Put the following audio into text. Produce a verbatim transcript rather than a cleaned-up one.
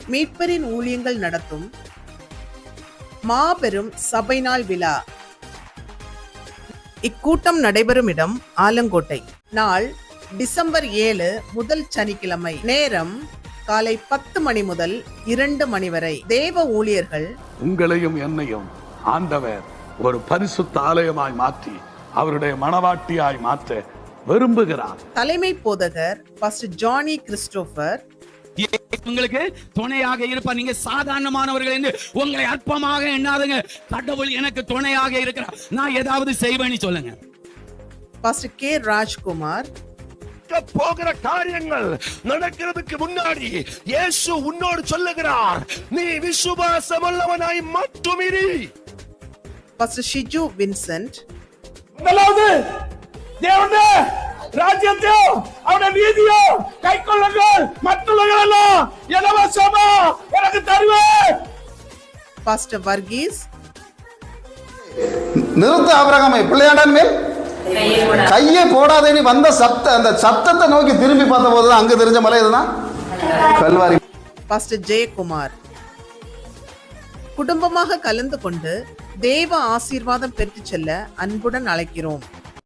மீட்பரின் ஊழியங்கள் நடத்தும் மாபெரும் சபை நாள் விழா. இக்கூட்டம் நடைபெறும் இடம் ஆலங்கோட்டை. நாள் டிசம்பர் ஏழு, முதல் சனிக்கிழமை. நேரம் காலை பத்து மணி முதல் இரண்டு மணி வரை. தேவ ஊழியர்கள் உங்களையும் என்னையும் ஆண்டவர் ஒரு பரிசுத்த ஆலயமாய் மாற்றி அவருடைய மணவாட்டியாய் மாற்ற விரும்புகிறார். தலைமை போதகர் பாஸ்டர் ஜானி கிறிஸ்டோபர் உங்களுக்கு துணையாக இருப்பார். நீங்க சாதாரணமானவர்கள் என்று உங்களை அற்பமாக எண்ணாதுங்க. கடவுள் எனக்கு துணையாக இருக்கிறார், நான் ஏதாவது செய்வேன்னு சொல்லுங்க. பாஸ்டர் கே ராஜ்குமார் போகிற காரியங்கள் நடக்கிறதுக்கு முன்னாடி இயேசு உன்னோடு சொல்லுகிறார், நீ விசுவாசம் உள்ளவனாய் மட்டும் இரு. பாஸ்டர் ஷிஜு வின்சென்ட் முதலாவது தேவனுடைய ராஜ்யத்தையும் அவருடைய நீதியும் கைக்கொள்ளுங்கள், மற்றவர்களெல்லாம் இலவசமா எனக்கு தருவேன். பாஸ்டர் வர்கீஸ் நிறுத்த ஆபிரகாமை பிள்ளையாண்டான் மேல் கையை போடாதேன்னு வந்த சப்த அந்த சத்தத்தை நோக்கி திரும்பி பார்த்த போதுதான் அங்க தெரிஞ்ச மலை இதுதான் கல்வாரி. பாஸ்டர் ஜெயக்குமார் குடும்பமாக கலந்து கொண்டு தேவ ஆசீர்வாதம் பெற்று செல்ல அன்புடன் அழைக்கிறோம்.